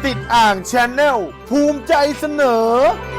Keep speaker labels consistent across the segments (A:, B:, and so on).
A: ติดอ่างแชนแนลภูมิใจเสนอ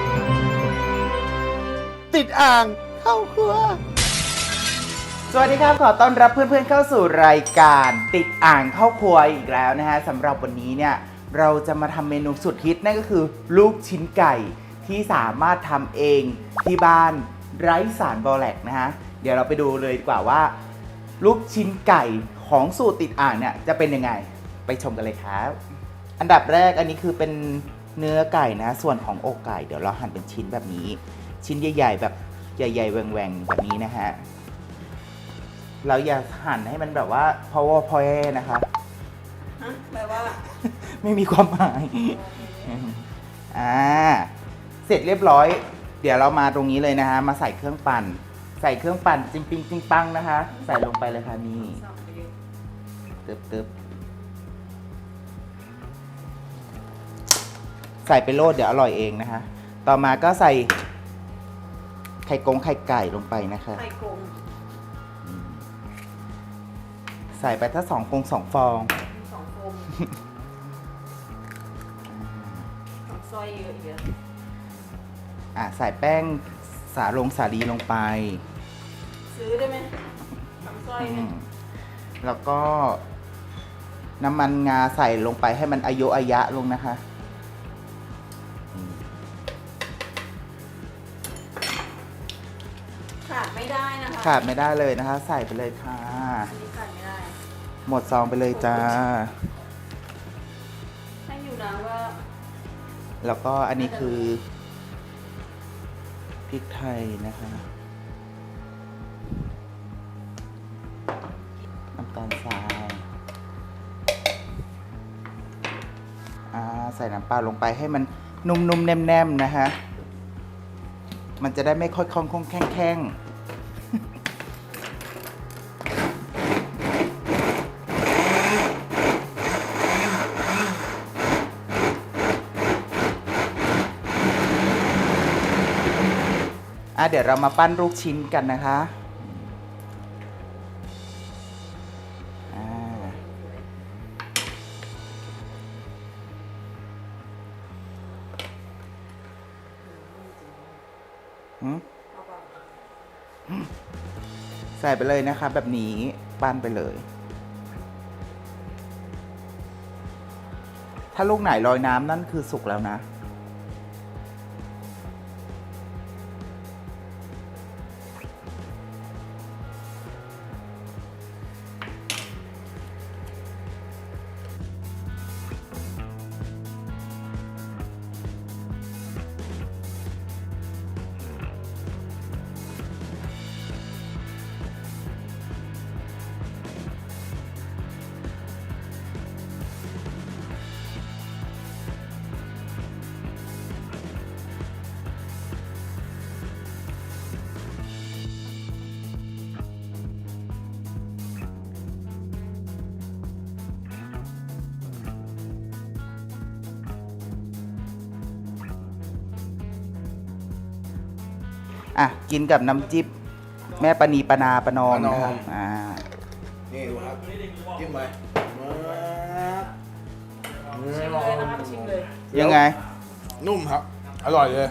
A: ติดอ่างเข้าครัวสวัสดีครับขอต้อนรับเพื่อนๆเข้าสู่รายการติดอ่างเข้าครัวอีกแล้วนะฮะสำหรับวันนี้เนี่ยเราจะมาทำเมนูสุดฮิตนั่นก็คือลูกชิ้นไก่ที่สามารถทำเองที่บ้านไร้สารบอแลกนะฮะเดี๋ยวเราไปดูเลยดีกว่าว่าลูกชิ้นไก่ของสูตรติดอ่างเนี่ยจะเป็นยังไงไปชมกันเลยครับอันดับแรกอันนี้คือเป็นเนื้อไก่นะส่วนของอกไก่เดี๋ยวเราหั่นเป็นชิ้นแบบนี้ชิ้นใหญ่ๆแบบใหญ่ๆแหว่งๆแบบนี้นะฮะเราอย่าหั่นให้มันแบบว่าพอนะครับ
B: แปลว่า
A: ไม่มีความหมายเสร็จเรียบร้อยเดี๋ยวเรามาตรงนี้เลยนะฮะมาใส่เครื่องปั่นจริงปิงจริงปังนะคะใส่ลงไปเลยค่ะนี่ตึ๊บใส่ไปโลดเดี๋ยวอร่อยเองนะคะต่อมาก็ใส่ไข่ไก่ลงไปนะคะ
B: ไข่กง
A: ใส่ไปถ้า2 ฟอง
B: 2 ฟองซอยเยอะอีกแล้ว
A: ใส่แป้งสาลีลงไป
B: ซื้อได้ไหมทำซอยเนี่ย
A: แล้วก็น้ำมันงาใส่ลงไปให้มันอายะลงนะคะ
B: ขาดไม่ได้นะคะ
A: ขาดไม่ได้เลยนะคะใส่ไปเลยค่ะ
B: ขาดไม่ได้
A: หมดซองไปเลยจ้า
B: ให้อยู่นะว่า
A: แล้วก็อันนี้คือพริกไทยนะคะน้ำตาลทรายใส่น้ำปลาลงไปให้มันนุ่มๆแน่มๆนะคะมันจะได้ไม่ค่อยคล่องแข้งเดี๋ยวเรามาปั้นลูกชิ้นกันนะคะใส่ไปเลยนะคะแบบนี้ปั้นไปเลยถ้าลูกไหนลอยน้ำนั่นคือสุกแล้วนะกินกับน้ำจิ้มแม่ปณีปนาปนอมนะครับ
C: นี่ดูครับจิ้มไป
B: ชิมเลยนะครับชิมเลย
A: ยังไง
C: นุ่มครับอร่อยเลย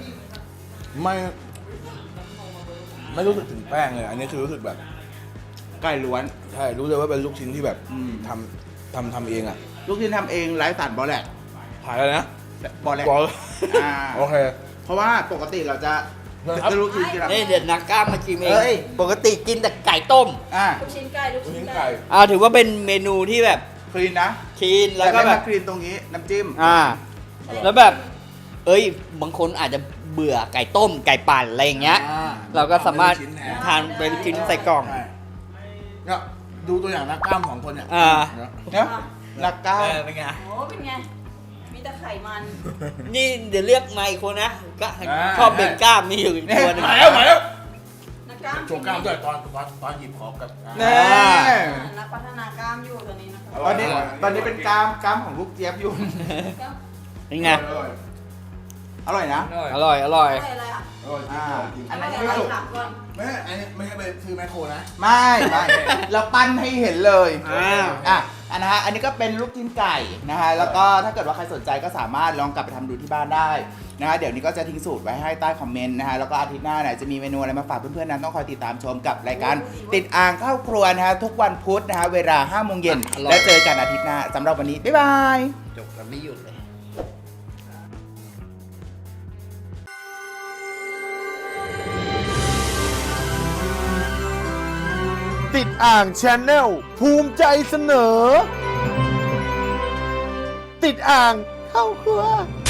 C: ไม่รู้สึกถึงแป้งเลยอันนี้คือรู้สึกแบบ
A: ไก่ล้วน
C: ใช่รู้เลยว่าเป็นลูกชิ้นที่แบบทำเองอ่ะ
A: ลูกชิ้นทำเองไร้สารบอแลก
C: ขายอะไรนะ
A: บอแลก
C: โอเค
A: เพราะว่าปกติเราจะลูกชิ้นกิน
D: เดี๋ยวนักกล้ามมาชิมเองปกติกินแต่ไก่ต้ม
B: ลูกชิ้นไก่
D: ถือว่าเป็นเมนูที่แบบ
A: คลีนนะ
D: คลีนแล้วก็แบบ
A: คลีนตรงนี้น้ำจิ้ม
D: แล้วแบบบางคนอาจจะเบื่อไก่ต้มไก่ปั่นอะไรอย่างเงี้ยเราก็สามารถทานเป็นชิ้นใส่กล่อง
C: เนี่ยดูตัวอย่างนักกล้าม2 คนเนี่ย
A: นักกล้าม
D: เป็นไง
B: โอ้เป็นไงมีแต่ไขมัน
D: นี่เดี๋ยวเรียกไมค์คนนะก็ชอบเบ่งกล้ามมีอยู่ตัวนึง
C: มาแล้ว
B: นักกล้าม
C: โชว์กล้ามด้วยตอนหยิบของกับ
B: นักพัฒนากล้ามอยู่ตอนนี้นะครับ
A: ตอนนี้เป็นกล้ามของลูกเจี๊ยบอยู่
D: เป็นไง
A: อร่อยนะ
D: อร่อย
B: อะไร
A: อันนั้น
C: ไม่ถูกไม่อันนี้ไม่ใช่เป็นชื่อแมคโครนะ
A: ไม่เราปั้นให้เห็นเลยนะฮะอันนี้ก็เป็นลูกชิ้นไก่นะฮะแล้วก็ถ้าเกิดว่าใครสนใจก็สามารถลองกลับไปทำดูที่บ้านได้นะฮะเดี๋ยวนี้ก็จะทิ้งสูตรไว้ให้ใต้คอมเมนต์นะฮะแล้วก็อาทิตย์หน้าเนี่ยจะมีเมนูอะไรมาฝากเพื่อนๆนั้นต้องคอยติดตามชมกับรายการติดอ่างเข้าครัวนะฮะทุกวันพุธนะฮะเวลา 5 โมงเย็นแล้วเจอกันอาทิตย์หน้าสำหรับวันนี้บ๊ายบาย
D: จบกันไม่หยุดเลย
E: ติดอ่างแชนแนลภูมิใจเสนอ ติดอ่างเข้าครัว